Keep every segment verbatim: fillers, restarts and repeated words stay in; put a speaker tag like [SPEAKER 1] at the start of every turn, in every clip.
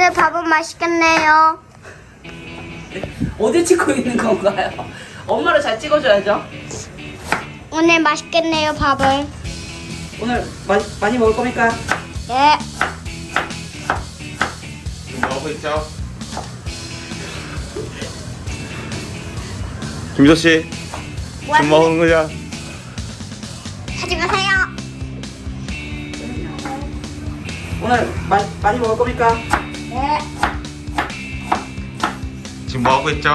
[SPEAKER 1] 오늘 밥은 맛있겠네요.
[SPEAKER 2] 어디 찍고 있는 건가요? 엄마를 잘 찍어줘야죠.
[SPEAKER 1] 오늘 맛있겠네요, 밥을.
[SPEAKER 2] 오늘 많이, 많이 먹을 겁니까?
[SPEAKER 1] 네.
[SPEAKER 3] 지금 뭐하고 있죠? 김미소 씨, 지금 뭐 하는 거야?
[SPEAKER 1] 하지 마세요.
[SPEAKER 2] 오늘 마, 많이 먹을 겁니까?
[SPEAKER 1] 네.
[SPEAKER 3] 지금 뭐 하고 있죠?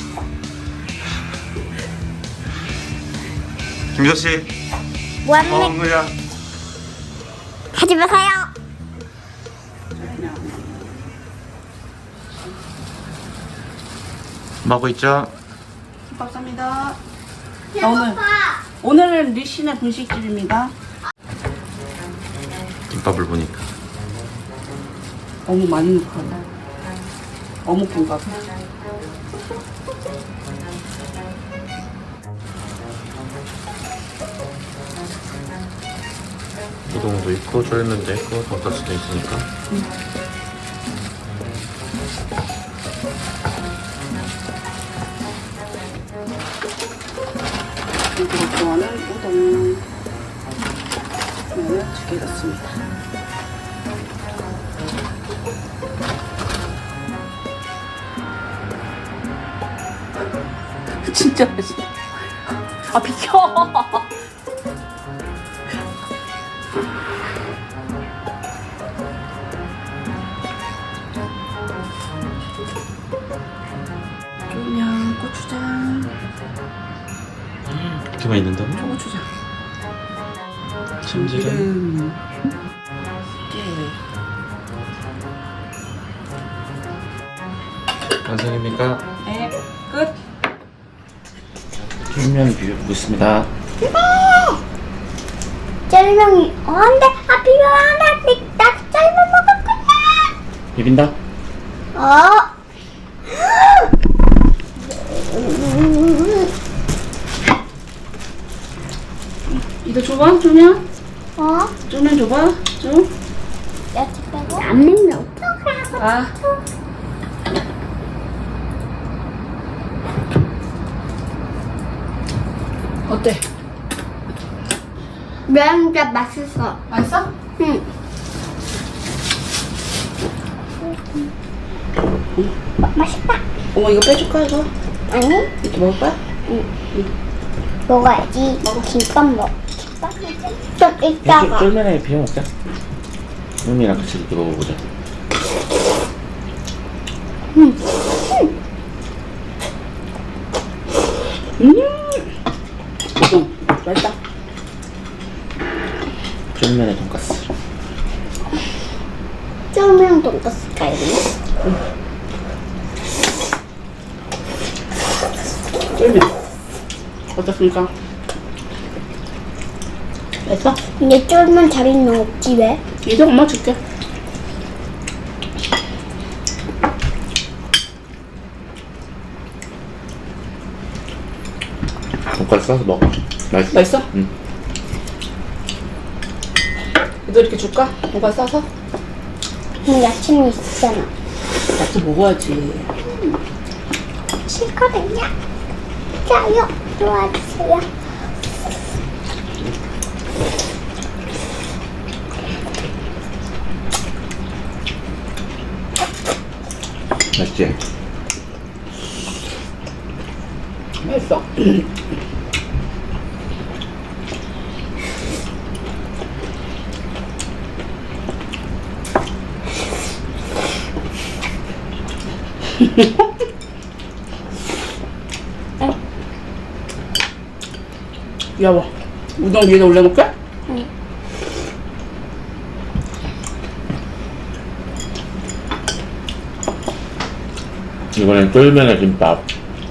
[SPEAKER 3] 김미소 씨, 뭐 하는
[SPEAKER 1] 뭐합니까?
[SPEAKER 3] 거야?
[SPEAKER 1] 하지 마세요.
[SPEAKER 3] 뭐 하고 있죠?
[SPEAKER 2] 김밥 쌉니다. 오늘 오늘은 리신의 분식집입니다.
[SPEAKER 3] 김밥을 보니까
[SPEAKER 2] 너무 많이 넣고 어묵 김밥.
[SPEAKER 3] 우동도 있고 쫄면도 있고 돈까스도 있으니까.
[SPEAKER 2] 이거 좋아하는 우동. 면을 두개 넣습니다. 진짜 맛있어. 아 비켜. 쫄면, 고추장,
[SPEAKER 3] 이렇게 많이 넣는다고?
[SPEAKER 2] 초고추장,
[SPEAKER 3] 참기름.
[SPEAKER 2] 기름, 깨.
[SPEAKER 3] 완성입니까?
[SPEAKER 2] 네, 끝.
[SPEAKER 3] 쫄면 비벼보고 있습니다.
[SPEAKER 1] 짤명이 어, 안 돼. 아, 비벼 안 돼. 나 짤명 먹을 거야.
[SPEAKER 3] 비빈다?
[SPEAKER 1] 어.
[SPEAKER 2] 이거 줘봐, 쫄면.
[SPEAKER 1] 어?
[SPEAKER 2] 쫄면 줘봐, 좀.
[SPEAKER 1] 야채 빼고. 안 넣으면 어떡하라고.
[SPEAKER 2] 아. 어때?
[SPEAKER 1] 면 진짜 맛있어.
[SPEAKER 2] 맛있어?
[SPEAKER 1] 응. 맛있다.
[SPEAKER 2] 어머 이거 빼줄까 이거?
[SPEAKER 1] 아니?
[SPEAKER 2] 이렇게 먹을 거야?
[SPEAKER 1] 먹어야지. 김밥 먹. 김밥 좀 이따가.
[SPEAKER 3] 쫄면에 비벼 먹자. 형이랑 같이 이렇게 먹어보자.
[SPEAKER 2] 음. 우동 맛있다.
[SPEAKER 3] 쫄면에 돈까스.
[SPEAKER 1] 쫄면 돈까스 갈비.
[SPEAKER 2] 쫄면 어떻습니까? 맛있어?
[SPEAKER 1] 근데 쫄면 잘 있는 없지 왜?
[SPEAKER 2] 이제 엄마 줄게.
[SPEAKER 3] 돈까스 싸서 먹어. 맛있어.
[SPEAKER 2] 맛있어?
[SPEAKER 3] 응.
[SPEAKER 2] 이거 이렇게 줄까? 뭐가 싸서?
[SPEAKER 1] 응, 야채는 있잖아.
[SPEAKER 2] 야채 먹어야지.
[SPEAKER 1] 싫거든요. 짜요. 도와주세요.
[SPEAKER 3] 맛있지?
[SPEAKER 2] 맛있어. 여보, 우동 위에다 올려놓을게?
[SPEAKER 1] 응.
[SPEAKER 3] 이번엔 쫄면에 김밥.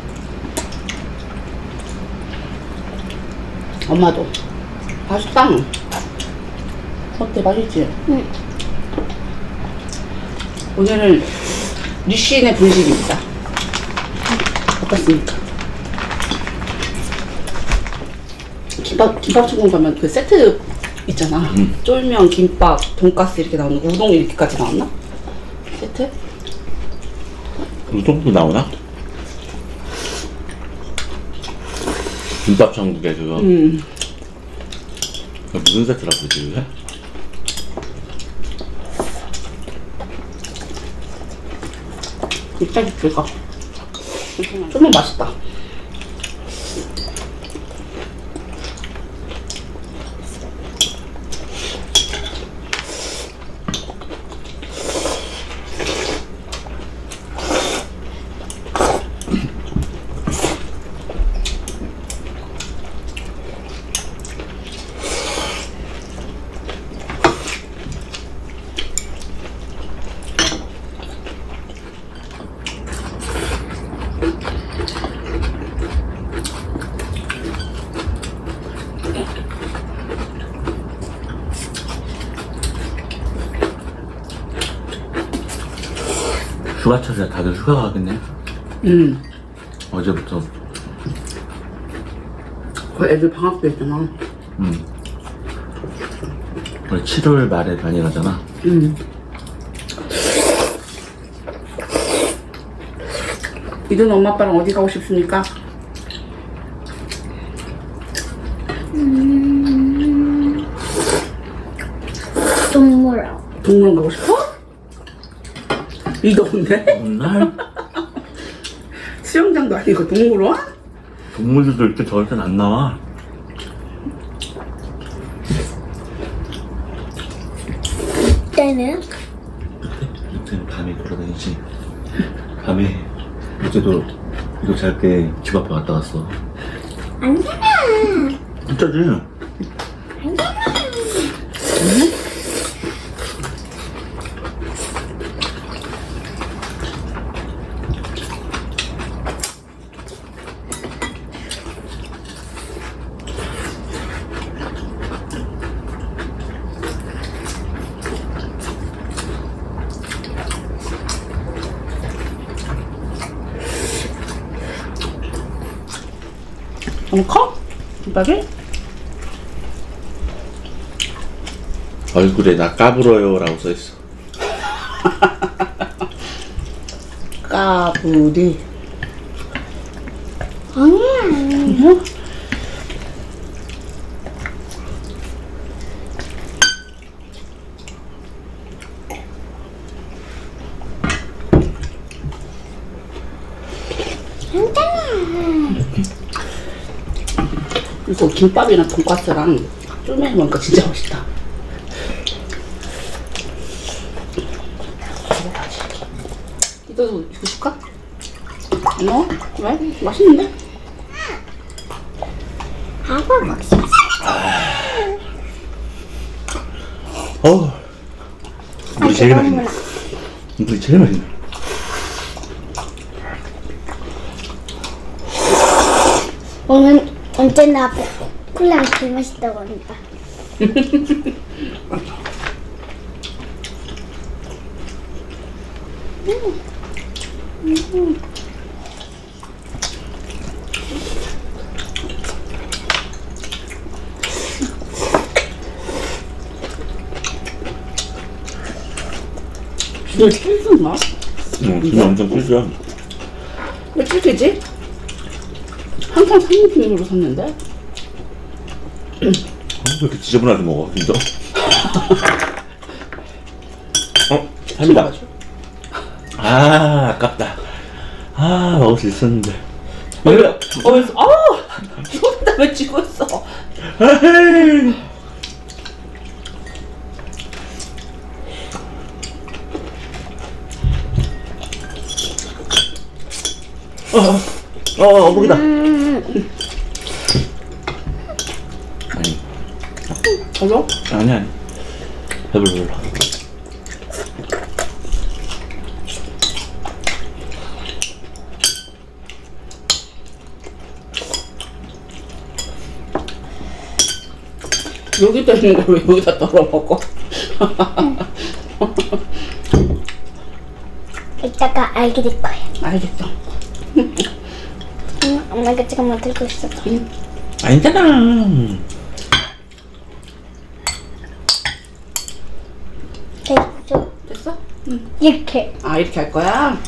[SPEAKER 2] 엄마도. 맛있다. 어때, 맛있지?
[SPEAKER 1] 응.
[SPEAKER 2] 오늘은 리신의 분식입니다. 어떻습니까? 김밥, 김밥천국 가면 그 세트 있잖아.
[SPEAKER 3] 음.
[SPEAKER 2] 쫄면, 김밥, 돈가스 이렇게 나오는 거. 우동 이렇게까지 나왔나? 세트?
[SPEAKER 3] 이 정도 나오나? 김밥 천국에 그거
[SPEAKER 2] 음.
[SPEAKER 3] 그거 무슨 세트라고 그러지 그게?
[SPEAKER 2] 이따 줄까 좀만 맛있다.
[SPEAKER 3] 휴가철에 다들 휴가 가겠네.
[SPEAKER 2] 음.
[SPEAKER 3] 어제부터.
[SPEAKER 2] 그 애들 방학도 있잖아.
[SPEAKER 3] 음. 원래 칠월 말에 많이 가잖아.
[SPEAKER 2] 음. 이든 엄마 아빠랑 어디 가고 싶습니까?
[SPEAKER 1] 음, 동물원.
[SPEAKER 2] 동물원 가고 싶어? 이 더운데?
[SPEAKER 3] 오늘
[SPEAKER 2] 수영장도 아니고 동물원?
[SPEAKER 3] 동물들도 이렇게 더울 땐 안 나와.
[SPEAKER 1] 때는
[SPEAKER 3] 이때는 밤에 돌아다니지. 밤에 어제도 이거 잘 때 집 앞에 갔다 왔어.
[SPEAKER 1] 아니잖아.
[SPEAKER 3] 진짜지?
[SPEAKER 2] 너무 커? 김밥이?
[SPEAKER 3] 얼굴에 나 까불어요 라고 써있어.
[SPEAKER 2] 까불이.
[SPEAKER 1] 아니야.
[SPEAKER 2] 응? 이거 김밥이랑 돈까스랑 쫄면이 먹으니까 진짜 맛있다. 이거 이거 줄까? 안 넣어? 왜? 맛있는데?
[SPEAKER 1] 아빠 먹어
[SPEAKER 3] 어. 물이 제일 맛있네. 물이 제일 맛있네.
[SPEAKER 1] 오늘 언제나 아빠 콜라가 제일 맛있다고 합니다.
[SPEAKER 2] 이거 찔순가?
[SPEAKER 3] 응, 진짜 엄청 크죠.
[SPEAKER 2] 왜 찔리지? 항상 삼립핑으로 샀는데?
[SPEAKER 3] 어, 왜 이렇게 지저분하게 먹어, 진짜? 어? 삼이다. 아, 아깝다. 아, 먹을 수 있었는데.
[SPEAKER 2] 어, 왜? 어, 왜? 아! 죽었다, 왜 죽었어?
[SPEAKER 3] 에헤이. 어, 어, 어묵이다.
[SPEAKER 1] 음,
[SPEAKER 3] 아니,
[SPEAKER 2] 별로?
[SPEAKER 3] 아니, 아니. 배불러, 배불러.
[SPEAKER 2] 여기다 있는 걸 왜 여기다 떨어 먹어?
[SPEAKER 1] 이따가 알게 될 거야.
[SPEAKER 2] 알겠어.
[SPEAKER 1] 응, 엄마가 지금 들고 있어.
[SPEAKER 2] 응.
[SPEAKER 3] 아니잖아.
[SPEAKER 1] 됐죠?
[SPEAKER 2] 됐어? 응.
[SPEAKER 1] 이렇게.
[SPEAKER 2] 아, 이렇게 할 거야?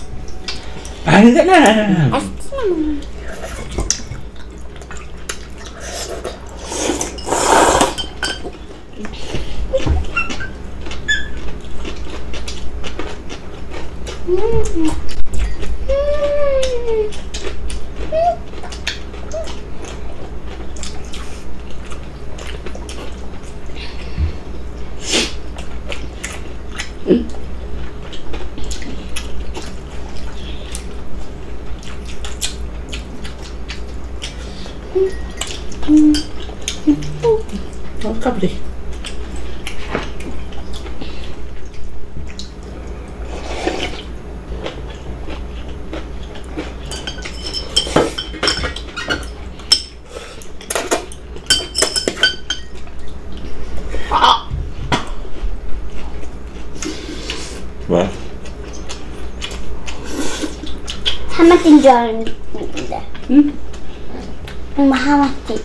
[SPEAKER 3] 아니잖아.
[SPEAKER 1] 맛있지? 음. 음.
[SPEAKER 2] 응? 어, 까불이.
[SPEAKER 3] 왜?
[SPEAKER 1] 하마띠인 줄 알았는데.
[SPEAKER 2] 응?
[SPEAKER 1] 엄마 하마띠.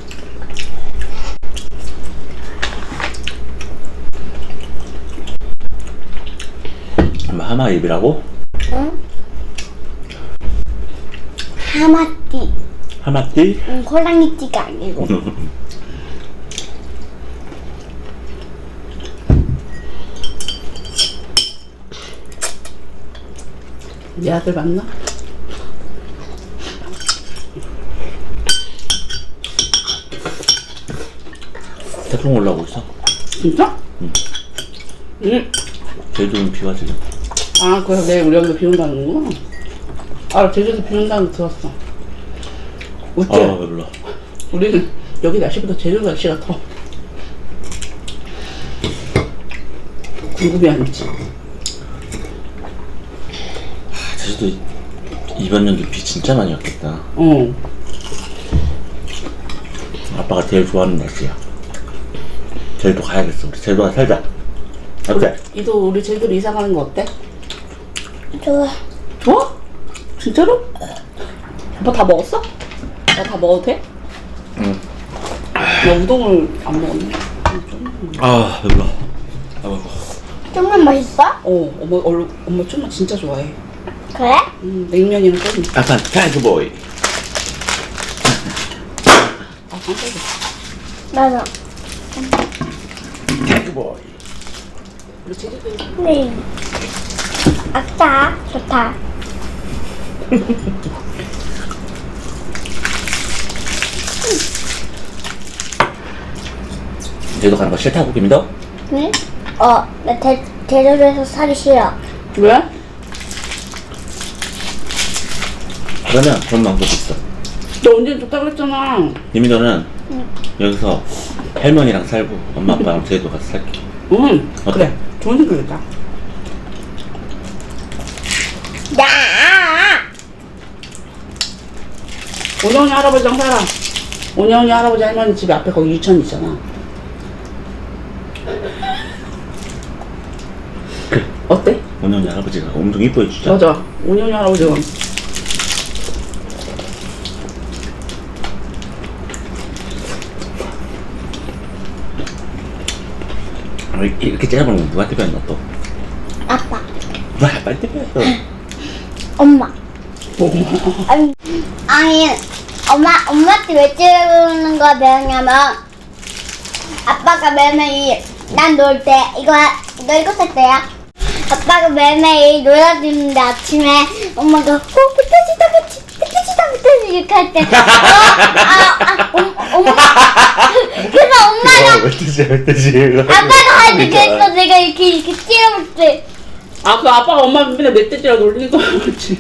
[SPEAKER 3] 엄마 하마 입이라고?
[SPEAKER 1] 응? 하마띠.
[SPEAKER 3] 하마띠?
[SPEAKER 1] 응, 호랑이띠가 아니고.
[SPEAKER 2] 네 아들 맞나?
[SPEAKER 3] 태풍 올라오고 있어.
[SPEAKER 2] 진짜?
[SPEAKER 3] 응.
[SPEAKER 2] 응.
[SPEAKER 3] 제주도는 비가 지금.
[SPEAKER 2] 아, 그래서 내일 우리 여기도 비 온다는 거구나. 아, 제주도 비 온다는 거 들었어. 웃지?
[SPEAKER 3] 아, 몰라.
[SPEAKER 2] 우리는 여기 날씨보다 제주도 날씨가 더 궁금해 하는지.
[SPEAKER 3] 제주도 이번 연도 비 진짜 많이 왔겠다.
[SPEAKER 2] 어.
[SPEAKER 3] 아빠가 제일 좋아하는 날씨야. 제주도 가야겠어. 우리 제주도 가서 살자. 어때?
[SPEAKER 2] 이도 우리 제주도 이사 가는 거 어때?
[SPEAKER 1] 좋아.
[SPEAKER 2] 좋아? 진짜로? 아빠 다 먹었어? 나 다 먹어도 돼?
[SPEAKER 3] 응.
[SPEAKER 2] 나 우동을 안 먹었네.
[SPEAKER 3] 아, 배불러. 아, 먹어.
[SPEAKER 1] 정말 맛있어?
[SPEAKER 2] 어, 엄마, 얼, 엄마 좀만 진짜 좋아해.
[SPEAKER 1] 그래?
[SPEAKER 2] 음, 냉면이랑 끓이.
[SPEAKER 3] 아빠, 타이거보이.
[SPEAKER 2] 아, 깜짝이야.
[SPEAKER 1] 맞아.
[SPEAKER 3] 타이거보이.
[SPEAKER 2] 우리 제주도
[SPEAKER 1] 네. 아싸, 좋다.
[SPEAKER 3] 제주도 가는 거 싫다고, 김이도?
[SPEAKER 1] 응? 어, 나 대, 제주도에서 살기 싫어.
[SPEAKER 2] 왜?
[SPEAKER 3] 그러면 그런 방법이 있어.
[SPEAKER 2] 너 언제 좋다 그랬잖아.
[SPEAKER 3] 김이도는
[SPEAKER 1] 응.
[SPEAKER 3] 여기서 할머니랑 살고 엄마 아빠랑 제주도 가서 살게.
[SPEAKER 2] 응,
[SPEAKER 3] 어때?
[SPEAKER 2] 그래. 좋은 생각이다.
[SPEAKER 1] 야!
[SPEAKER 2] 오년이 할아버지랑 살아. 오년이 할아버지 할머니 집 앞에 거기 유치원 있잖아. 어때?
[SPEAKER 3] 오년이 할아버지가 엄청 이뻐해 주자.
[SPEAKER 2] 맞아. 오년이 할아버지가.
[SPEAKER 3] 아, 이렇게 째려보는 건 누구한테 배웠나 또?
[SPEAKER 1] 아빠.
[SPEAKER 3] 누가 아빠한테 배웠어?
[SPEAKER 1] 엄마.
[SPEAKER 2] 뭐?
[SPEAKER 1] 아니, 아니 엄마, 엄마한테 왜 찌르는 거 배웠냐면, 아빠가 매일매일, 난 놀 때, 이거, 이거 일곱 살 때야. 아빠가 매일매일 놀아주는데 아침에 엄마가, 어, 흩어지다, 흩어지다, 흩어지다, 이렇게 할 때, 어, 아, 아, 엄, 엄마. 그래서 엄마가,
[SPEAKER 3] 멧돼지 멧돼지.
[SPEAKER 1] 아빠가 할 때 그래서 내가 이렇게, 이렇게 찌르면 돼.
[SPEAKER 2] 아, 그 아빠가 엄마 맨날 멧돼지라 놀리는 거야, 그렇지.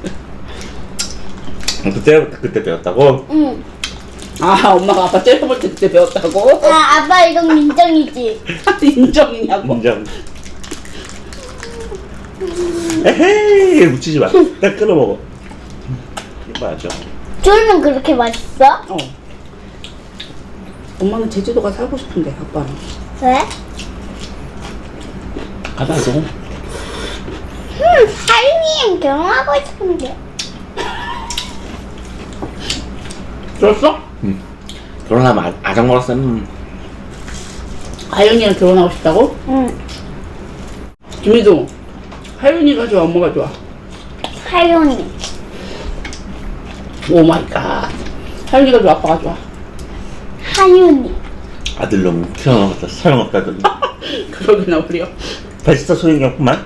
[SPEAKER 3] 그때 그때 배웠다고?
[SPEAKER 1] 응.
[SPEAKER 2] 아, 엄마가 아빠 째려볼 때 그때 배웠다고?
[SPEAKER 1] 아, 아빠 이건 민정이지.
[SPEAKER 2] 인정이냐고.
[SPEAKER 3] 인정. 에헤이 묻히지 마. 딱 끊어 먹어. 이거 맞죠?
[SPEAKER 1] 쫄면 그렇게 맛있어?
[SPEAKER 2] 어. 엄마는 제주도가 살고 싶은데, 아빠는.
[SPEAKER 1] 왜?
[SPEAKER 3] 가봐줘.
[SPEAKER 1] 음, 하윤이랑 결혼하고 싶은데.
[SPEAKER 2] 들었어?
[SPEAKER 3] 응. 결혼하면 아, 아장 먹었음.
[SPEAKER 2] 하영이랑 결혼하고 싶다고?
[SPEAKER 1] 응.
[SPEAKER 2] 김희도, 하윤이가 좋아, 엄마가 좋아?
[SPEAKER 1] 하윤이.
[SPEAKER 2] 오 마이 갓. 하윤이가 좋아, 아빠가 좋아?
[SPEAKER 1] 하윤이.
[SPEAKER 3] 아들 놈 태어나봤자 소용없다더니.
[SPEAKER 2] 그러구나, 우리요.
[SPEAKER 3] 벌써 소용이 없구만.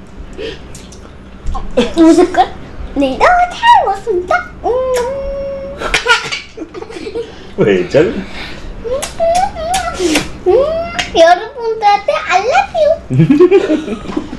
[SPEAKER 1] 무슨 걸? 네, 너무 잘 먹었습니다. 음.
[SPEAKER 3] 왜 절?
[SPEAKER 1] 음, 여러분들한테 I love you.